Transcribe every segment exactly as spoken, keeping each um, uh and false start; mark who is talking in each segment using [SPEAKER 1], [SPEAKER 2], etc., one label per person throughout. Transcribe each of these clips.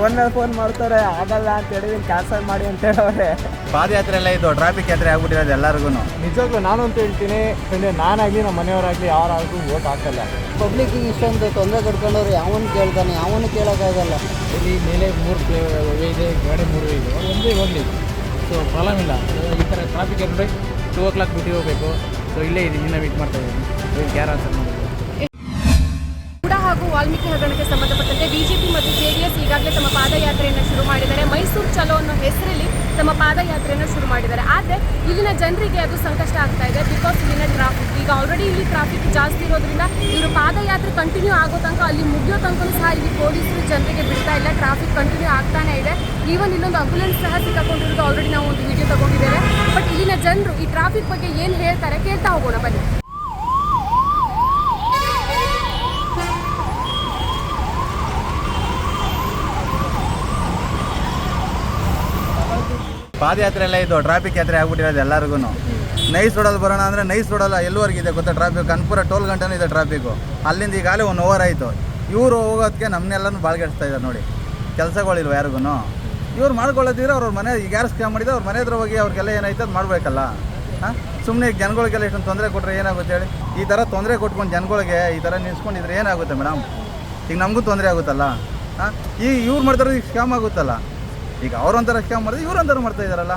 [SPEAKER 1] Phone ಮೇಲೆ phone ಮಾಡ್ತಾರೆ, ಆಗಲ್ಲ ಅಂತ ಹೇಳಿದೀನಿ, ಕ್ಯಾನ್ಸಲ್ ಮಾಡಿ ಅಂತ ಹೇಳೋರೆ.
[SPEAKER 2] ಪಾದಯಾತ್ರೆ ಎಲ್ಲ ಇದು ಟ್ರಾಫಿಕ್ ಯಾತ್ರೆ ಆಗ್ಬಿಟ್ಟಿರೋದು ಎಲ್ಲರಿಗೂ.
[SPEAKER 1] ನಿಜವಾಗ್ಲೂ ನಾನು ಅಂತ ಹೇಳ್ತೀನಿ, ಯಾಕಂದರೆ ನಾನಾಗಲಿ ನಮ್ಮ ಮನೆಯವರಾಗಲಿ ಯಾರಾದರೂ ಓಟ್ ಹಾಕಲ್ಲ.
[SPEAKER 3] ಪಬ್ಲಿಕ್ಕಿಗೆ ಇಷ್ಟೊಂದು ತೊಂದರೆ ಕೊಡ್ಕೊಂಡವ್ರು ಯಾವನು ಕೇಳ್ತಾನೆ, ಯಾವನು ಕೇಳೋಕ್ಕಾಗಲ್ಲ.
[SPEAKER 4] ಇಲ್ಲಿ ಮೇಲೆ ಮೂರು ಪ್ಲೇ ಇದೆ, ಗಾಡಿ ಮೂರು ಇದೆ, ಒಂದೇ ಹೋಗಲಿ. ಸೊ ಪ್ರಾಬ್ಲಮ್ ಇಲ್ಲ. ಈ ಥರ ಟ್ರಾಫಿಕ್ ಅಂದರೆ ಟೂ ಓ ಕ್ಲಾಕ್ ಬಿಟ್ಟು ಹೋಗಬೇಕು. ಸೊ ಇಲ್ಲೇ ಇದೆ, ಇನ್ನೂ ವೇಟ್ ಮಾಡ್ತಾ ಇದ್ದೀನಿ, ಕ್ಯಾರ್ ಆನ್ಸರ್ ಮಾಡಿ.
[SPEAKER 5] ಹಾಗೂ ವಾಲ್ಮೀಕಿ ಹಗರಣಕ್ಕೆ ಸಂಬಂಧಪಟ್ಟಂತೆ ಬಿಜೆಪಿ ಮತ್ತು ಜೆಡಿಎಸ್ ಈಗಾಗಲೇ ತಮ್ಮ ಪಾದಯಾತ್ರೆಯನ್ನು ಶುರು ಮಾಡಿದ್ದಾರೆ. ಮೈಸೂರು ಚಲೋ ಅನ್ನೋ ಹೆಸರಲ್ಲಿ ತಮ್ಮ ಪಾದಯಾತ್ರೆಯನ್ನು ಶುರು ಮಾಡಿದ್ದಾರೆ. ಆದರೆ ಇಲ್ಲಿನ ಜನರಿಗೆ ಅದು ಸಂಕಷ್ಟ ಆಗ್ತಾ ಇದೆ. ಬಿಕಾಸ್ ಇಲ್ಲಿನ ಟ್ರಾಫಿಕ್ ಈಗ ಆಲ್ರೆಡಿ ಇಲ್ಲಿ ಟ್ರಾಫಿಕ್ ಜಾಸ್ತಿ ಇರೋದ್ರಿಂದ ಇವರು ಪಾದಯಾತ್ರೆ ಕಂಟಿನ್ಯೂ ಆಗೋ ತನಕ, ಅಲ್ಲಿ ಮುಗಿಯೋ ತನಕ ಸಹ ಇಲ್ಲಿ ಪೊಲೀಸರು ಜನರಿಗೆ ಬಿಡ್ತಾ ಇಲ್ಲ. ಟ್ರಾಫಿಕ್ ಕಂಟಿನ್ಯೂ ಆಗ್ತಾನೆ ಇದೆ. ಈವನ್ ಇಲ್ಲೊಂದು ಆಂಬುಲೆನ್ಸ್ ಸಹ ಸಿಕ್ಕಾಕೊಂಡಿರೋದು ಆಲ್ರೆಡಿ ನಾವು ಒಂದು ವಿಡಿಯೋ ತಗೊಂಡಿದ್ದೇವೆ. ಬಟ್ ಇಲ್ಲಿನ ಜನರು ಈ ಟ್ರಾಫಿಕ್ ಬಗ್ಗೆ ಏನು ಹೇಳ್ತಾರೆ ಕೇಳ್ತಾ ಹೋಗೋಣ ಬನ್ನಿ.
[SPEAKER 2] ಪಾದಯಾತ್ರೆ ಎಲ್ಲ ಇದು ಟ್ರಾಫಿಕ್ ಯಾತ್ರೆ ಆಗ್ಬಿಟ್ಟಿರೋದು ಎಲ್ಲರಿಗೂ. ನೈಸ್ ರೋಡಲ್ಲಿ ಬರೋಣ ಅಂದರೆ ನೈಸ್ ರೋಡಲ್ಲ ಎಲ್ಲವರೆಗಿದೆ ಗೊತ್ತಾ ಟ್ರಾಫಿಕ್. ಕನ್ಪುರ ಟೋಲ್ ಗಂಟನೂ ಇದೆ ಟ್ರಾಫಿಕ್ಕು. ಅಲ್ಲಿಂದ ಈಗಾಗಲೇ ಒನ್ ಓವರ್ ಆಯಿತು. ಇವರು ಹೋಗೋದಕ್ಕೆ ನಮ್ಮನ್ನೆಲ್ಲನೂ ಬಾಳ್ಗೆಡ್ಸ್ತಾ ಇದ್ದಾರೆ ನೋಡಿ. ಕೆಲಸಗಳಿಲ್ವ ಯಾರಿಗೂ. ಇವ್ರು ಮಾಡ್ಕೊಳ್ಳೋದಿದ್ರೆ ಅವ್ರ ಮನೆ ಈಗ ಯಾರು ಸ್ಕ್ಯಾಮ್ ಮಾಡಿದ್ರೆ ಅವ್ರ ಮನೆ ಹತ್ರ ಹೋಗಿ ಅವ್ರಿಗೆಲ್ಲ ಏನಾಯ್ತು ಅದು ಮಾಡಬೇಕಲ್ಲ. ಹಾಂ, ಸುಮ್ಮನೆ ಈಗ ಜನಗಳಿಗೆಲ್ಲ ಇಷ್ಟೊಂದು ತೊಂದರೆ ಕೊಟ್ಟರೆ ಏನಾಗುತ್ತೆ ಹೇಳಿ. ಈ ಥರ ತೊಂದರೆ ಕೊಟ್ಕೊಂಡು ಜನಗಳಿಗೆ ಈ ಥರ ನಿಲ್ಸ್ಕೊಂಡಿದ್ರೆ ಏನಾಗುತ್ತೆ ಮೇಡಮ್? ಈಗ ನಮಗೂ ತೊಂದರೆ ಆಗುತ್ತಲ್ಲ. ಹಾಂ, ಈಗ ಇವ್ರು ಮಾಡ್ತಾರೆ ಈಗ ಸ್ಕ್ಯಾಮ್ ಆಗುತ್ತಲ್ಲ. ಈಗ ಅವ್ರೊಂಥರ ಸ್ಕ್ಯಾಮ್ ಮಾಡಿದ್ರೆ ಇವ್ರೊಂಥರ ಮಾಡ್ತಾ ಇದ್ದಾರಲ್ಲ.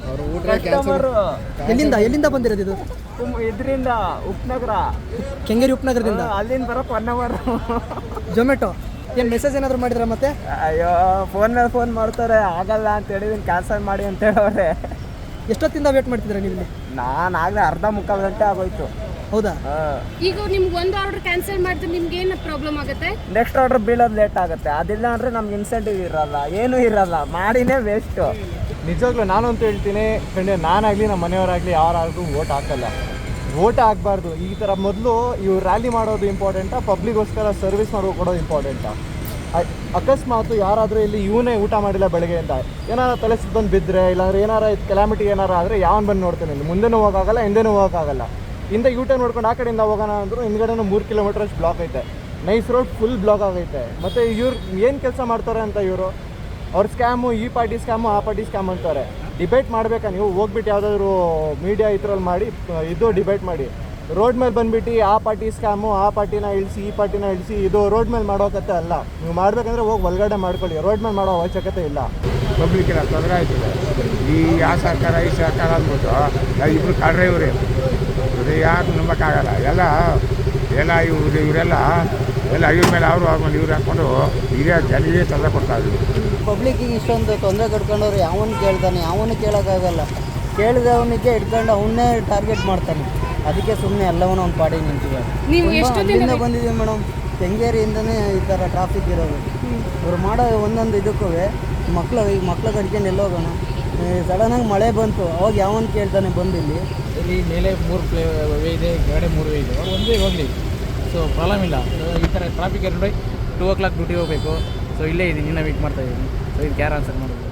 [SPEAKER 3] ಎಲ್ಲಿಂದ ಎಲ್ಲಿಂದ ಬಂದಿರೋದು ಇದು?
[SPEAKER 1] ಇದರಿಂದ ಉಪನಗರ,
[SPEAKER 3] ಕೆಂಗೇರಿ ಉಪನಗರದಿಂದ.
[SPEAKER 1] ಅಲ್ಲಿಂದ ಬರೋಕ್ಕೆ ಒನ್ ಅವರ್.
[SPEAKER 3] ಜೊಮ್ಯಾಟೊ ಏನು ಮೆಸೇಜ್ ಏನಾದರೂ ಮಾಡಿದ್ರ ಮತ್ತೆ?
[SPEAKER 1] ಅಯ್ಯೋ, ಫೋನ್ ಮೇಲೆ ಫೋನ್ ಮಾಡ್ತಾರೆ, ಆಗಲ್ಲ ಅಂತ ಹೇಳಿದೀನಿ, ಕ್ಯಾನ್ಸಲ್ ಮಾಡಿ ಅಂತ ಹೇಳೋರೆ.
[SPEAKER 3] ಎಷ್ಟೊತ್ತಿಂದ ವೇಟ್ ಮಾಡ್ತಿದ್ದೀರಾ ನೀವು?
[SPEAKER 1] ನಾನು ಆಗಲೇ ಅರ್ಧ ಮುಕ್ಕಾಲು ಗಂಟೆ ಆಗೋಯ್ತು.
[SPEAKER 3] ಹೌದಾ?
[SPEAKER 5] ಈಗ ನಿಮ್ಗೆ ಒಂದು ಆರ್ಡರ್ ಕ್ಯಾನ್ಸಲ್ ಮಾಡಿದ್ರೆ ನಿಮ್ಗೆ ಏನು ಪ್ರಾಬ್ಲಮ್ ಆಗುತ್ತೆ?
[SPEAKER 1] ನೆಕ್ಸ್ಟ್ ಆರ್ಡರ್ ಬೀಳೋದು ಲೇಟ್ ಆಗುತ್ತೆ. ಅದಿಲ್ಲ ಅಂದರೆ ನಮ್ಗೆ ಇನ್ಸೆಂಟಿವ್ ಇರಲ್ಲ, ಏನೂ ಇರಲ್ಲ, ಮಾಡಿನೇ ವೇಸ್ಟು. ನಿಜವಾಗ್ಲೂ ನಾನು ಅಂತ ಹೇಳ್ತೀನಿ, ಯಾಕಂದರೆ ನಾನಾಗಲಿ ನಮ್ಮ ಮನೆಯವರಾಗಲಿ ಯಾರಾದರೂ ಓಟ್ ಹಾಕಲ್ಲ. ಓಟ್ ಹಾಕಬಾರ್ದು. ಈ ಥರ ಮೊದಲು ಇವ್ರು ರ್ಯಾಲಿ ಮಾಡೋದು ಇಂಪಾರ್ಟೆಂಟಾ, ಪಬ್ಲಿಕ್ಗೋಸ್ಕರ ಸರ್ವಿಸ್ ಮಾಡೋ ಕೊಡೋದು ಇಂಪಾರ್ಟೆಂಟಾ? ಅಕಸ್ಮಾತು ಯಾರಾದರೂ ಇಲ್ಲಿ ಇವನೇ ಊಟ ಮಾಡಿಲ್ಲ ಬೆಳಗ್ಗೆ ಅಂತ ಏನಾರು ತಲೆ ಸುತ್ತಂದು ಬಿದ್ದರೆ, ಇಲ್ಲಾಂದ್ರೆ ಏನಾರ ಕೆಲಾಮಿಟಿ ಏನಾರು ಆದರೆ ಯಾವನು ಬಂದು ನೋಡ್ತಾನೆ? ಇಲ್ಲಿ ಮುಂದೆನೂ ಹೋಗೋಕ್ಕಾಗಲ್ಲ, ಹಿಂದೆನೂ ಹೋಗೋಕ್ಕಾಗಲ್ಲ. ಹಿಂದೆ ಯೂ ಟರ್ನ್ ನೋಡ್ಕೊಂಡು ಆ ಕಡೆಯಿಂದ ಹೋಗೋಣ ಅಂದರೂ ಹಿಂದ್ಗಡೆನೂ ಮೂರು ಕಿಲೋಮೀಟರ್ ಅಷ್ಟು ಬ್ಲಾಕ್ ಐತೆ. ನೈಸ್ ರೋಡ್ ಫುಲ್ ಬ್ಲಾಕ್ ಆಗೈತೆ. ಮತ್ತು ಇವ್ರು ಏನು ಕೆಲಸ ಮಾಡ್ತಾರೆ ಅಂತ ಇವರು ಅವ್ರ ಸ್ಕ್ಯಾಮು, ಈ ಪಾರ್ಟಿ ಸ್ಕ್ಯಾಮು, ಆ ಪಾರ್ಟಿ ಸ್ಕ್ಯಾಮ್ ಅಂತಾರೆ. ಡಿಬೇಟ್ ಮಾಡಬೇಕಾ ನೀವು? ಹೋಗ್ಬಿಟ್ಟು ಯಾವುದಾದ್ರು ಮೀಡಿಯಾ ಇದ್ರಲ್ಲಿ ಮಾಡಿ ಇದು ಡಿಬೇಟ್ ಮಾಡಿ. ರೋಡ್ ಮೇಲೆ ಬಂದುಬಿಟ್ಟು ಆ ಪಾರ್ಟಿ ಸ್ಕ್ಯಾಮು, ಆ ಪಾರ್ಟಿನ ಇಳಿಸಿ, ಈ ಪಾರ್ಟಿನ ಇಳಿಸಿ, ಇದು ರೋಡ್ ಮೇಲೆ ಮಾಡೋಕತ್ತೆ ಅಲ್ಲ. ನೀವು ಮಾಡಬೇಕಂದ್ರೆ ಹೋಗಿ ಒಳಗಡೆ ಮಾಡ್ಕೊಳ್ಳಿ, ರೋಡ್ ಮೇಲೆ ಮಾಡೋ ಅವಶ್ಯಕತೆ ಇಲ್ಲ.
[SPEAKER 6] ಪಬ್ಲಿಕ್ಕೆಲ್ಲ ತೊಂದರೆ ಆಯ್ತದೆ. ಈ ಆ ಸರ್ಕಾರ ಈ ಸರ್ಕಾರ ಅಂದ್ಬಿಟ್ಟು ಇಬ್ಬರು ಕಾಡ್ರೆ ಇವರೇ ಇದು ಯಾರು ನಂಬಕ್ಕಾಗಲ್ಲ. ಎಲ್ಲ ಎಲ್ಲ ಇವ್ರು ಇವರೆಲ್ಲ ಎಲ್ಲ ಇವ್ರ ಮೇಲೆ ಅವರು ಅವ್ರ ಮೇಲೆ ಇವ್ರು ಹಾಕ್ಕೊಂಡು ಹಿರಿಯ ಜನರಿಗೆ ತೊಂದರೆ ಕೊಡ್ತಾಯಿದ್ರು.
[SPEAKER 3] ಪಬ್ಲಿಕ್ಕಿಗೆ ಇಷ್ಟೊಂದು ತೊಂದರೆ ಕೊಡ್ಕೊಂಡವ್ರು ಯಾವನು ಕೇಳ್ತಾನೆ, ಯಾವನು ಕೇಳೋಕ್ಕಾಗಲ್ಲ. ಕೇಳಿದವನಿಗೆ ಇಟ್ಕೊಂಡು ಅವನ್ನೇ ಟಾರ್ಗೆಟ್ ಮಾಡ್ತಾನೆ. ಅದಕ್ಕೆ ಸುಮ್ಮನೆ ಎಲ್ಲವನ್ನೂ ಒಂದು ಪಾಡಿ ನಿಂತಿದ್ದಾರೆ. ಅಲ್ಲಿಂದ ಬಂದಿದ್ದೀವಿ ಮೇಡಮ್, ಕೆಂಗೇರಿಯಿಂದನೇ ಈ ಥರ ಟ್ರಾಫಿಕ್ ಇರೋದು. ಇವ್ರು ಮಾಡೋ ಒಂದೊಂದು ಇದಕ್ಕೂ ಮಕ್ಳು ಈಗ ಮಕ್ಳು ಕಟ್ಕೊಂಡು ಎಲ್ಲೋಗೋಣ. ಸಡನ್ನಾಗಿ ಮಳೆ ಬಂತು, ಅವಾಗ ಯಾವನು ಕೇಳ್ತಾನೆ ಬಂದು ಇಲ್ಲಿ.
[SPEAKER 4] ಇಲ್ಲಿ ಮೇಲೆ ಮೂರು ಪ್ಲೇ ಇದೆ, ಗಾಡಿ ಮೂರು ಇದೆ, ಒಂದೇ ಹೋಗಲಿ. ಸೊ ಪ್ರಾಬ್ಲಮ್ ಇಲ್ಲ. ಈ ಥರ ಟ್ರಾಫಿಕ್ ಅಂದರೆ ಟೂ ಓ ಕ್ಲಾಕ್ ಡ್ಯೂಟಿ ಹೋಗಬೇಕು. ಸೊ ಇಲ್ಲೇ ಇದ್ದೀನಿ, ಇನ್ನೂ ವೇಟ್ ಮಾಡ್ತಾ ಇದ್ದೀನಿ. ಸೊ ಇದು ಕ್ಯಾರ್ ಆನ್ಸರ್ ಮಾಡೋದು.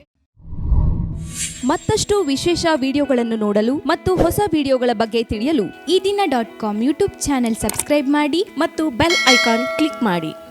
[SPEAKER 7] ಮತ್ತಷ್ಟು ವಿಶೇಷ ವಿಡಿಯೋಗಳನ್ನು ನೋಡಲು ಮತ್ತು ಹೊಸ ವಿಡಿಯೋಗಳ ಬಗ್ಗೆ ತಿಳಿಯಲು ಈ ದಿನ dot com YouTube channel subscribe ಮಾಡಿ ಮತ್ತು ಬೆಲ್ ಐಕಾನ್ ಕ್ಲಿಕ್ ಮಾಡಿ.